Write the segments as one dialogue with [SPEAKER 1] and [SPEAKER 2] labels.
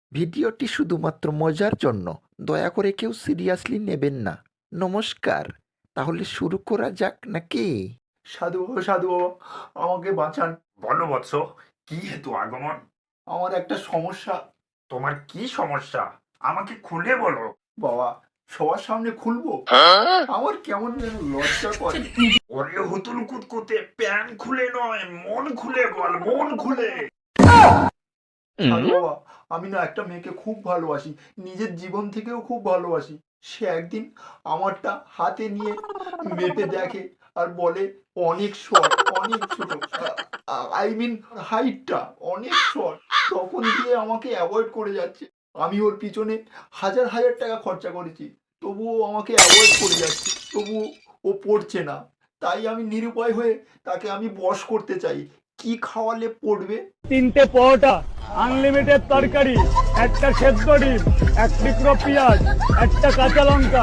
[SPEAKER 1] ভিডিওটি শুধুমাত্র মজার জন্য, দয়া করে কেউ সিরিয়াসলি নেবেন না। নমস্কার। তাহলে শুরু করা যাক নাকি?
[SPEAKER 2] সাধু বাবা, সাধু বাবা, আমাকে বাঁচান।
[SPEAKER 3] বলো বৎস, কি হেতু আগমন?
[SPEAKER 2] আমার একটা সমস্যা।
[SPEAKER 3] তোমার কি সমস্যা আমাকে খুলে বলো।
[SPEAKER 2] বাবা, সবার সামনে খুলবো? আমার কেমন যেন লজ্জা করে।
[SPEAKER 3] ওরে হুতুল কুতকুতে, প্যান খুলে নয়, মন খুলে বল, মন খুলে।
[SPEAKER 2] সাধু বাবা, আমি না একটা মেয়েকে খুব ভালোবাসি, নিজের জীবন থেকেও খুব ভালোবাসি। সে একদিন আমারটা হাতে নিয়ে মেপে দেখে আর বলে অনেক শর্ট, অনেক ছোট। আই মিন হাইটটা অনেক শর্ট। তখন দিয়ে আমাকে অ্যাভয়েড করে যাচ্ছে। আমি ওর পিছনে হাজার হাজার টাকা খরচা করেছি, তবুও আমাকে অ্যাভয়েড করে যাচ্ছে, তবুও ও পড়ছে না। তাই আমি নিরুপায় হয়ে তাকে আমি বশ করতে চাই। কি খাওয়ালে পড়বে?
[SPEAKER 4] 3টে পরোটা, আনলিমিটেড তরকারি, একটা সেদ্ধ ডিম, এক টুকরো পেঁয়াজ, একটা কাঁচা লঙ্কা।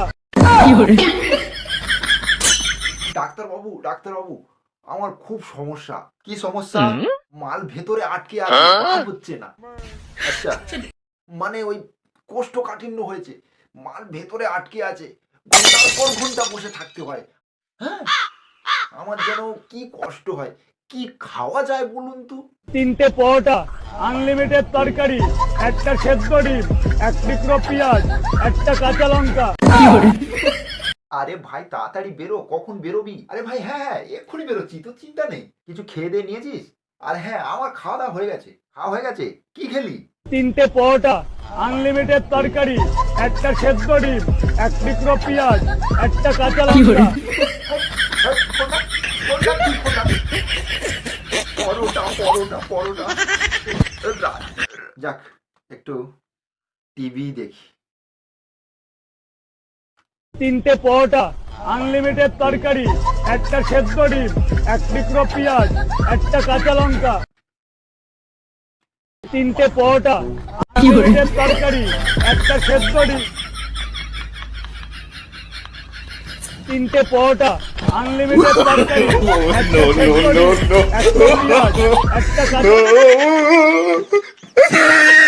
[SPEAKER 2] ডাক্তারবাবু, ডাক্তারবাবু, আমার খুব সমস্যা। কি সমস্যা? মাল ভেতরে আটকে আছে, বার হচ্ছে না। আচ্ছা, মানে ওই কোষ্ঠকাঠিন্য হয়েছে, মাল ভেতরে আটকে আছে, ঘন্টার পর ঘন্টা বসে থাকতে হয়। হ্যাঁ, আমার যেন কি কষ্ট হয়। কি খাওয়া যায় বলুন তো?
[SPEAKER 4] 3টে পরোটা, আনলিমিটেড তরকারি, একটা সেদ্ধ ডিম, এক টুকরো পেঁয়াজ, একটা কাঁচা লঙ্কা।
[SPEAKER 2] আরে ভাই, তাড়াতাড়ি বেরো। কখন বেরোবি? আরে ভাই, হ্যাঁ হ্যাঁ, এক্ষুনি বেরোচ্ছি, তো চিন্তা নেই। কিছু খেয়ে দিয়ে নিয়েছিস? আর হ্যাঁ, আমার খাওয়া দাওয়া হয়ে গেছে। খাওয়া হয়ে গেছে। কি খেলি?
[SPEAKER 4] 3টে পরোটা, আনলিমিটেড তরকারি, একটা সেদ্ধ ডিম, এক টুকরো পেঁয়াজ, একটা কাঁচা লঙ্কা।
[SPEAKER 2] পরোটা, পরোটা, পরোটা। যাক, একটু টিভি দেখি।
[SPEAKER 4] 3টে পরোটা, আনলিমিটেড তরকারি, একটা সেদ্ধ ডিম, এক টুকরো পেঁয়াজ, একটা কাঁচা লঙ্কা। 3টে পরোটা, আনলিমিটেড তরকারি, একটা সেদ্ধ ডিম। 3টে পরোটা, আনলিমিটেড তরকারি, একটা সেদ্ধ ডিম, একটা পেঁয়াজ, একটা কাঁচা লঙ্কা।